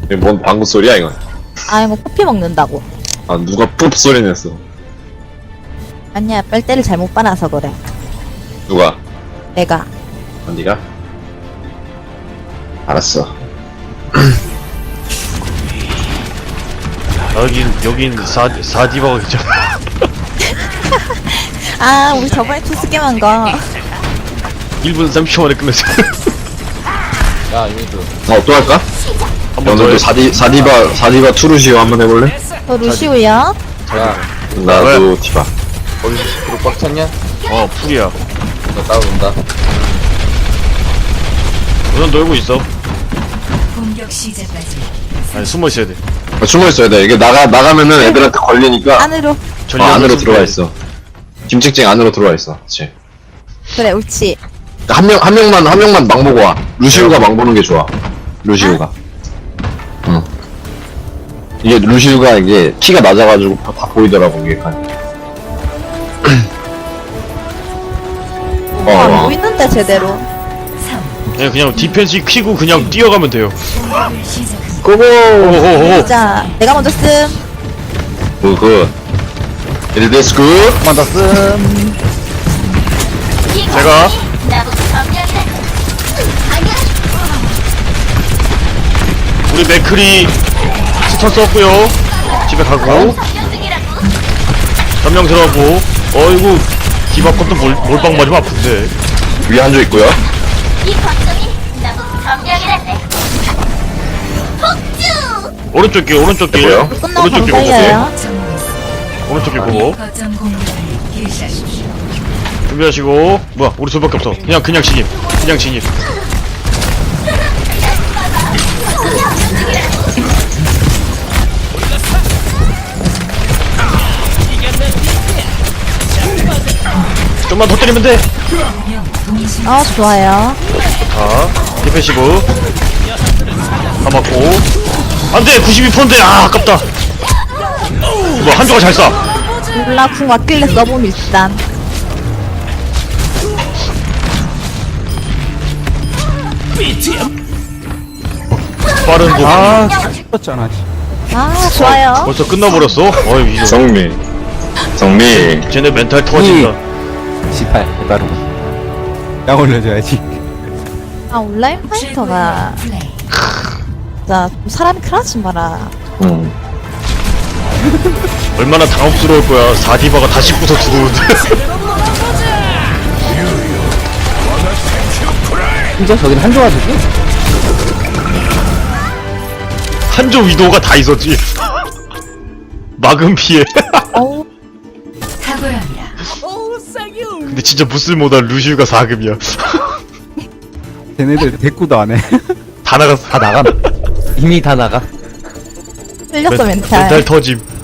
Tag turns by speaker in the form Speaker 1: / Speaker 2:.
Speaker 1: 이게 뭔 방구 소리야 이건?
Speaker 2: 아이고 커피 먹는다고.
Speaker 1: 아 누가 푹 소리 냈어?
Speaker 2: 아니야 빨대를 잘못 빨아서 그래.
Speaker 1: 누가?
Speaker 2: 내가.
Speaker 1: 언니가? 알았어.
Speaker 3: 여긴 사디바가 있잖아.
Speaker 2: 아 우리 저번에 투스게임한 거.
Speaker 3: 1분 30초 만에 끝냈어.
Speaker 4: 야 유니드
Speaker 1: 또 할까?
Speaker 3: 한번 더
Speaker 1: 오늘도
Speaker 3: 해.
Speaker 1: 사디바 투르시오 한번 해볼래?
Speaker 2: 저 루시우야.
Speaker 4: 야
Speaker 1: 나도 디바.
Speaker 4: 거기 그룹 꽉 찼냐?
Speaker 3: 풀이야.
Speaker 4: 너 따라온다.
Speaker 3: 우선 놀고 있어.
Speaker 5: 공격 시작까지
Speaker 3: 아니 숨어 있어야 돼.
Speaker 1: 숨어 있어야 돼. 이게 나가면은 애들한테 걸리니까
Speaker 2: 안으로.
Speaker 1: 안으로 들어와 있어. 김책쟁 안으로 들어와 있어. 그렇지.
Speaker 2: 그래 옳지.
Speaker 1: 한 명만 망 보고 와. 루시우가 망 보는 게 좋아. 루시우가. 응. 이게 루시우가 이게 키가 낮아가지고 다 보이더라고 이게.
Speaker 2: 안 보이는데 제대로.
Speaker 3: 그냥 디펜스 키고 그냥 뛰어가면 돼요.
Speaker 5: 공격을 시작합니다.
Speaker 1: 고고.
Speaker 3: 오호호.
Speaker 2: 자 내가 먼저 씀.
Speaker 1: 굿. 일데스 굿.
Speaker 3: 제가 우리 맥크리 스턴 썼고요. 집에 가고 전명 들어가고. 어이구 디바 것도 몰빵 맞으면 아픈데.
Speaker 1: 위에 한조 있고요.
Speaker 3: 오른쪽 길 오른쪽 길
Speaker 1: 뭐요?
Speaker 2: 끝나고
Speaker 3: 오른쪽 길 보고.
Speaker 2: 방사해요.
Speaker 3: 오른쪽 길 보고
Speaker 5: 거점 공격을 개시하십시오.
Speaker 3: 준비하시고. 뭐야 우리 둘밖에 없어. 그냥 진입. 그냥 진입. 좀만 더 때리면 돼.
Speaker 2: 아 좋아요.
Speaker 3: 자, 디펜시브 다 맞고. 안돼 92%인데 아깝다. 뭐 한조가 잘 쏴.
Speaker 2: 몰라 궁 왔길래 써봄 일단.
Speaker 3: 빠른 도.
Speaker 2: 아 좋아요.
Speaker 3: 벌써 끝나버렸어. 어이 이거
Speaker 1: 정미.
Speaker 3: 쟤네 멘탈 터진다.
Speaker 6: 18 해바로 약 올려줘야지.
Speaker 2: 아 온라인 파이터가
Speaker 5: 플레이.
Speaker 2: 진짜 좀 사람이 크라지 마라.
Speaker 1: 응.
Speaker 3: 얼마나 당혹스러울 거야. 사디바가 다시 부서 들어오는데.
Speaker 6: 진짜 저긴 한조가 되지?
Speaker 3: 한조 위도가 다 있었지. 막은 피해.
Speaker 2: 어우
Speaker 5: 탁월합니다.
Speaker 3: 근데 진짜 무쓸모다 루시우가 4금이야.
Speaker 6: 쟤네들 대꾸도 안 해.
Speaker 3: 다 나갔어.
Speaker 6: 다 나가. 이미 다 나가.
Speaker 2: 틀렸어
Speaker 3: 멘탈
Speaker 2: 멘탈.
Speaker 3: 터짐.